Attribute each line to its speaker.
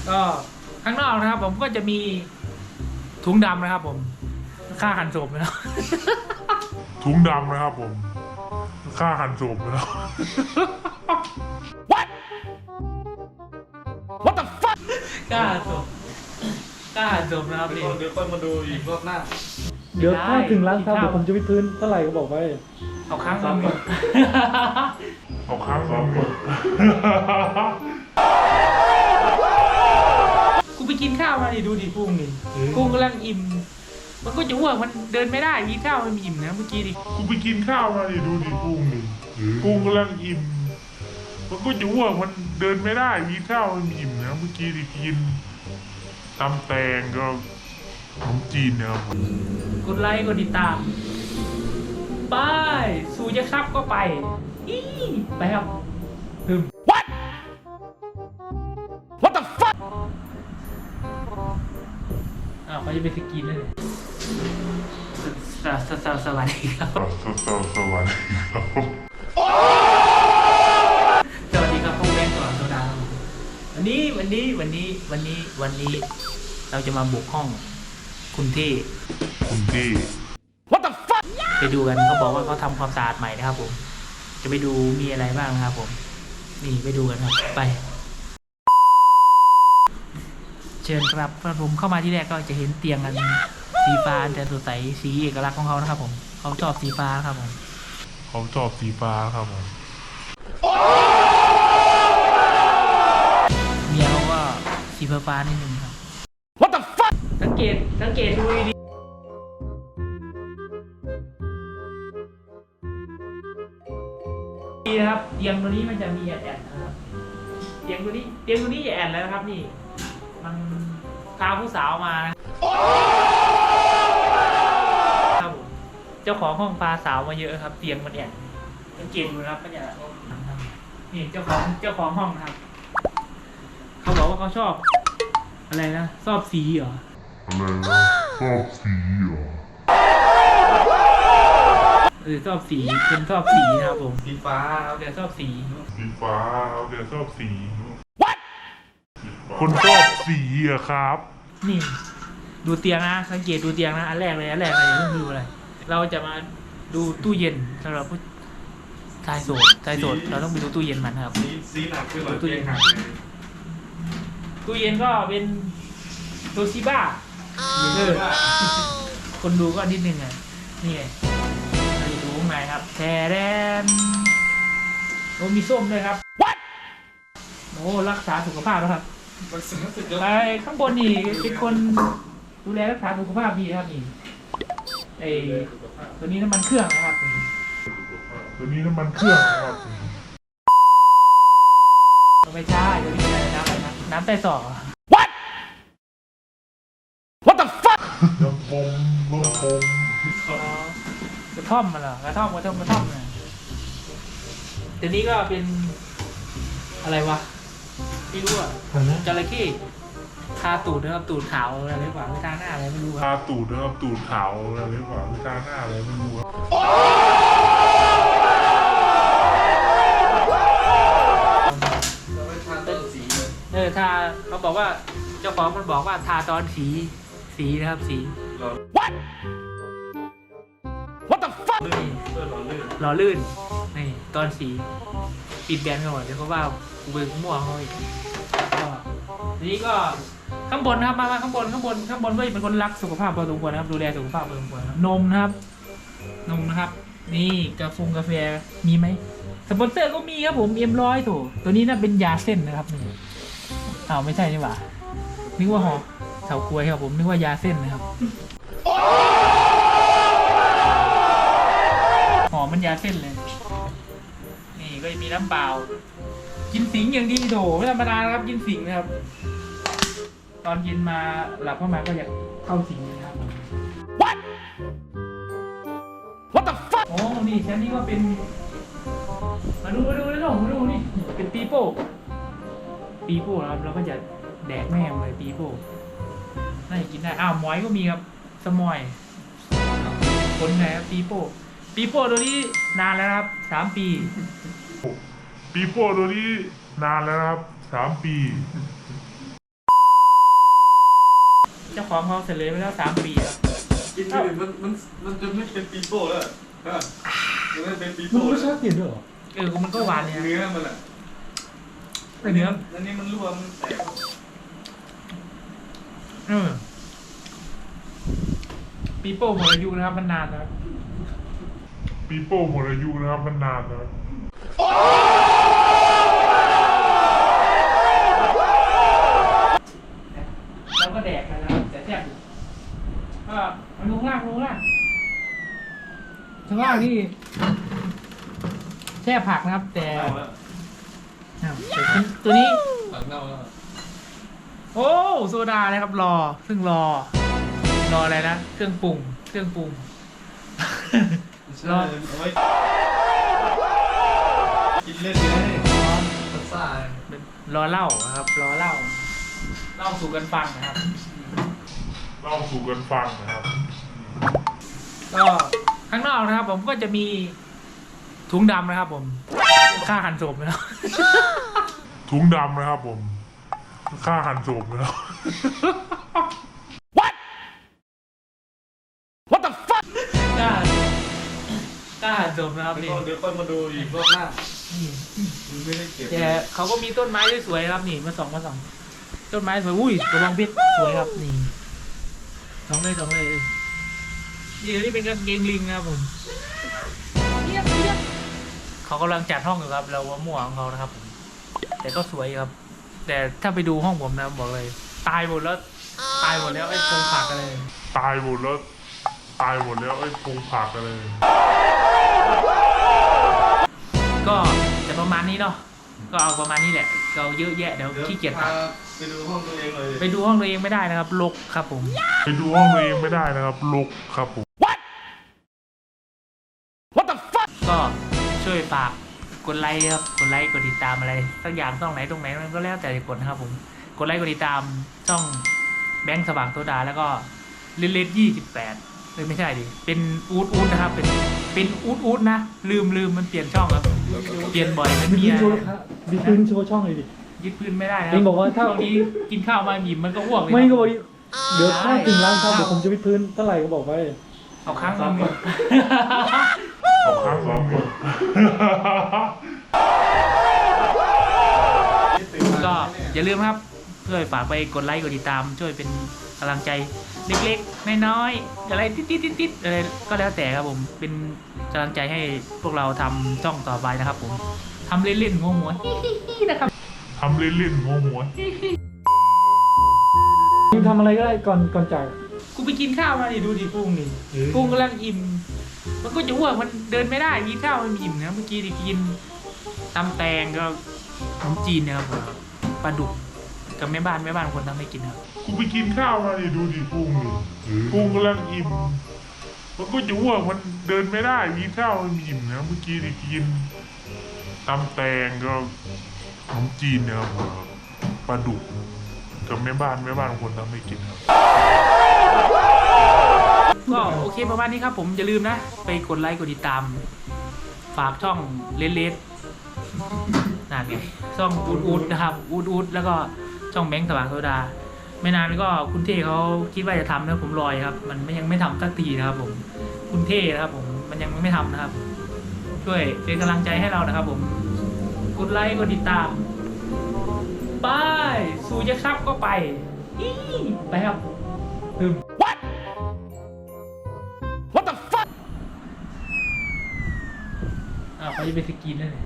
Speaker 1: ก็ข้างนอกนะครับผมก็จะมีถุงดำนะครับผมค่าหันศพนะครับ
Speaker 2: ถุงดำนะครับผมค่าหันศพนะครับ
Speaker 1: What the fuck กล้าหันศพกล้าหันศพนะครับนี่
Speaker 3: เดี๋ยวค่อยมาดูอีกรอบหน้า
Speaker 4: เดี๋ยวถ้าถึงร้านครับเดี๋ยวผมจะไปพื้นเท่าไหร่ก็บอกไป
Speaker 1: เอาครั้งหนึ่ง
Speaker 2: เอาครั้งสอง
Speaker 1: กูไปกินข้าวมาดิดูดิกุ้งนี่กุ้งกำลังอิ่มมันก็จะอ้วกมันเดินไม่ได้กินข้าวมันอิ่มนะเมื่อกี้ดิ
Speaker 2: กูไปกินข้าวมาดิดูดิกุ้งนี่กุ้งกำลังอิ่มมันก็จะอ้วกมันเดินไม่ได้มีข้าวมันอิ่มนะเมื่อกี้ดิกินตำแตงก็ขนมจีนนะครับ
Speaker 1: กดไลค์กดติดตามไปสู่จะครับก็ไปอีไปครับถึง What the fuck อ้าวเขาจะไปสกินเลยสวัสดีครับ
Speaker 2: สวัสดีครับ
Speaker 1: สวัสดีครับพวกแม่ก่อนโซดาวันนี้เราจะมาบุกห้องคุณที่
Speaker 2: คุณที่
Speaker 1: What the fuck ไปดูกันเขาบอกว่าเขาทำความสะอาดใหม่นะครับผมจะไปดูมีอะไรบ้างนะครับผมนี่ไปดูกันครับไปเชิญครับผมเข้ามาที่แรกก็จะเห็นเตียงกันสีฟ้าแต่สดใสสีเอกลักษณ์ของเขานะครับผมเขาชอบสีฟ้าครับผม
Speaker 2: เขาชอบสีฟ้าครับผม
Speaker 1: เมียเขาก็สีฟ้านิดนึงครับ What the fuck สังเกตดูดีดีนะครับเตียงตัวนี้มันจะมีแอนนะครับเตียงตัวนี้อย่าแอนแล้วนะครับนี่มันพาผู้สาวมานะครับผมเจ้าของห้องพาสาวมาเยอะครับเตียงมันแอนสังเกตดูนะครับมันอย่านี่เจ้าของห้องนะครับเขาบอกว่าเขาชอบอะไรนะชอบสีเหรอ
Speaker 2: อะไรนะชอบสีเหรอ
Speaker 1: ชอบสีเป็นชอบสีนะครับผม
Speaker 3: สีฟ้าครับ
Speaker 1: แต่ชอบสี
Speaker 2: สีฟ้าเขาจะชอบสี What คนชอบสีอะครับ
Speaker 1: นี่ดูเตียงนะสังเกตดูเตียงนะอันแรกเลยอย่าเพิ่งดูอะไรเราจะมาดูตู้เย็นสำหรับผู้ชายโสดเราต้องไปดูตู้เย็นมันครับ
Speaker 3: สีหนักขึ้นหน่อยเตียงหัก
Speaker 1: ตู้เย็นก็เป็นโตชิบ้าคนดูก็นิดนึงอ่ะนี่ไงเราจะดูข้างในครับแทแดนโอ้มีส้มด้วยครับ What โอ้รักษาสุขภาพแล้วครับ
Speaker 3: มันรู้สึกจะ
Speaker 1: ไปข้างบนนี่เป็นคนดูแลรักษาสุขภาพดีนะครับนี่ไอตัวนี้น้ำมันเครื่องนะครับนี่
Speaker 2: ตัวนี้น้ำมันเครื่องนะครับ
Speaker 1: ไม่ใช่ตัวนี้อะไรน้ำใต้สอ What the fuck
Speaker 2: น้ำปม
Speaker 1: กระท่อมมาเหรอกระท่อมนะตัวนี้ก็เป็นอะไรวะไม่รู้อ่ะจระเข้ทาตูดนะครับตูดขาวอะไรหรือเปล่าไม่ทาหน้าอะไรไม่รู้ค
Speaker 2: ทา
Speaker 1: รับ
Speaker 2: ตูดนะครับตูดขาวอะไรหรือเปล่าทาหน้าอะไรไม่รู้ครับ
Speaker 3: เราไปทานต้นสี
Speaker 1: ทาเขาบอกว่าเจ้าของมันบอกว่าทาตอนสีนะครับสี
Speaker 3: เรา
Speaker 1: What the fuck นี่
Speaker 3: เพื่อเราลื่น
Speaker 1: หล่อลื่นนี่ตอนสีปิดแบนก่อนเดี๋ยวเขาว่ากูเป็นมั่วเขาอีกก็ทีนี้ก็ข้างบนนะครับมาข้างบนก็เป็นคนรักสุขภาพพอสมควรนะครับดูแลสุขภาพพอสมควรนะครับนมนะครับนี่กาแฟมีไหมสปอนเซอร์ก็มีครับผมM100โถตัวนี้น่าเป็นยาเส้นนะครับนี่อ้าวไม่ใช่นี่หว่านึกว่าหอเฉากล้วยครับผมนึกว่ายาเส้นนะครับหอมมันยาเส้นเลยนี่ก็มีน้ำเปล่ากินสิงอย่างดีโถไม่ธรรมดานะครับกินสิงนะครับตอนเย็นมาหลับเข้ามาก็อยากเข้าสิงนะครับ What the fuck โอ้นี่ชั้นนี้ก็เป็นมาดูนี่เป็นปีโป้นะครับเราก็จะแดกแม่งเลยปีโป้น่าจะกินได้อ้าวหมอยก็มีครับสมอยคนไงครับปีโป้ตัวนี้นานแล้วนะครับ3 ปี
Speaker 2: ปีโป้ตัวนี้นานแล้วนะครับ3 ปี
Speaker 1: ของเขาเสร็จเลยไปแล้ว3 ปีครับ
Speaker 3: กินไปถึงมันจะไม่เป็นปีโป้แล้วอะมันไม่เป็นปี
Speaker 4: มัน
Speaker 3: โป้
Speaker 4: รสชาติเปลี่ยนด้วยเหรอ
Speaker 1: มันก็หวานเนี่ย
Speaker 3: เนื้อมันอ่ะ
Speaker 1: เนื้อ
Speaker 3: อันนี้มันรั่วมันแตก
Speaker 1: ปีโป้หมดอายุนะครับมันนานนะครับ
Speaker 2: ปีโป้หมดอายุนะครับมันนานนะ
Speaker 1: แล้วก็แดกกันนะครับแต่แซ่บอยู่ก็เอาลงล่างข้างล่างนี่แช่ผักนะครับ แต่
Speaker 3: เน่าแล้ว
Speaker 1: ตัวนี้
Speaker 3: ผักเน่าแล้ว
Speaker 1: โอ้โซดานะครับรออะไรนะเครื่องปรุง รอ
Speaker 3: เอาไว้กินเล่นเลยรสชาติ
Speaker 1: รอเหล้านะครับรอเหล้าสู่กันฟังนะครับ
Speaker 2: เล่าสู่กันฟังนะครับ
Speaker 1: ก็ข้างนอกนะครับ ผมก็จะมีถุงดำนะครับ ผมค่าหั่นศพนะครับ
Speaker 2: ถุงดำนะครับผมค่าหันศพนะครับ
Speaker 1: ค่าหั่นศพนะครับนี่
Speaker 3: เดี๋ยวค่อยมาดูอีกรอบหน้ามันไม่ได้เก็บ
Speaker 1: แต่เขาก็มีต้นไม้สวยๆครับนี่มาส่องต้นไม้สวยอุ้ยกระบองเพชรสวยครับนี่สองเลยนี่เป็นกางเกงลิงนะครับผมเขากำลังจัดห้องอยู่ครับเราว่ามั่วของเขานะครับผมแต่ก็สวยครับ แต่ถ้าไปดูห้องผมนะบอกเลย ตายหมดแล้วไอ้โครงผักกันเลย
Speaker 2: ตายหมดแล้วไอ้พงผักกันเลย
Speaker 1: ก็จะประมาณนี้เนาะก็เอาประมาณนี้แหละเราเยอะแยะเดี๋ยวขี้เกียจ
Speaker 3: พา
Speaker 1: ทำ
Speaker 3: ไปดูห้องตัวเองเลย
Speaker 1: ไปดูห้องตัวเองไม่ได้นะครับรกครับผม
Speaker 2: ไปดูห้องตัวเองไม่ได้นะครับรกครับผม
Speaker 1: ก็ช่วยฝากกดไลค์ครับกดไลค์กดติดตามอะไรสักอย่างช่องไหนตรงไหนมันก็แล้วแต่จะกดนะครับผมกดไลค์กดติดตามช่องแบงค์สว่างโซดาแล้วก็เลด28ไม่ใช่ดิเป็นอูดนะครับเป็นอูดนะลืมมันเปลี่ยนช่องครับเปลี่ยนบ่อยมัน
Speaker 4: มี
Speaker 1: มี
Speaker 4: พื้นโชว์ครับมีพื้นโชว์ช่องเลยดิ
Speaker 1: ยึดพื้นไม่ได้นะ
Speaker 4: เองบอกว่าถ้า
Speaker 1: ช่วงนี้กินข้าวมาหยิบมันก็อ้วกเลย
Speaker 4: ไม่ก็บอกเดี๋ยวถ้าถึงล้านครับเดี๋ยวผมจะวิดพื้นเท่าไหร่ก็บอกไว้
Speaker 1: เอาครั้งนึง
Speaker 2: เอาครั้งสองคน
Speaker 1: ก็อย่าลืมครับช่วยฝากไปกดไลค์กดติดตามช่วยเป็นกำลังใจเล็กๆน้อยๆอะไรติดอะไรก็แล้วแต่ครับผมเป็นกำลังใจให้พวกเราทำช่องต่อไปนะครับผมทำเล่นๆหัวๆนะครับ
Speaker 2: ทำเล่นๆหัว
Speaker 4: มึงทำอะไรก็ได้ก่อนจาก
Speaker 1: กูไปกินข้าวมาดิดูดิกุ้งนี่กุ้งกำลังอิ่มมันก็จะอ้วกมันเดินไม่ได้กินข้าวมันอิ่มนะเมื่อกี้ดิกินตำแตงก็ขนมจีนนะครับผมปลาดุกกับแม่บ้านคนทำให้กินครับ
Speaker 2: กูไปกินข้าวมาดิดูดิกุ้งนี่กุ้งกำลังอิ่มมันก็จะอ้วกมันเดินไม่ได้กินข้าวมันอิ่มนะเมื่อกี้ที่กินตำแตงก็ขนมจีนนะครับผมปลาดุกกับแม่บ้านคนทำให้กินครับ
Speaker 1: ก็โอเคประมาณนี้ครับผมอย่าลืมนะไปกดไลค์กดติดตามฝากช่องเลดนั่นไงช่องอูดนะครับอูดแล้วก็ช่องแบงค์สว่างโซดาไม่นานก็คุณเท่เขาคิดว่าจะทำนะผมรอยครับมันยังไม่ทำสักทีนะครับผมคุณเท่นะครับผมมันยังไม่ทำนะครับช่วยเป็นกำลังใจให้เรานะครับผมกดไลค์กดติดตามไปสู่จะครับก็ไปไปครับWhat the fuck ไปจะไปสกินนั่นเลย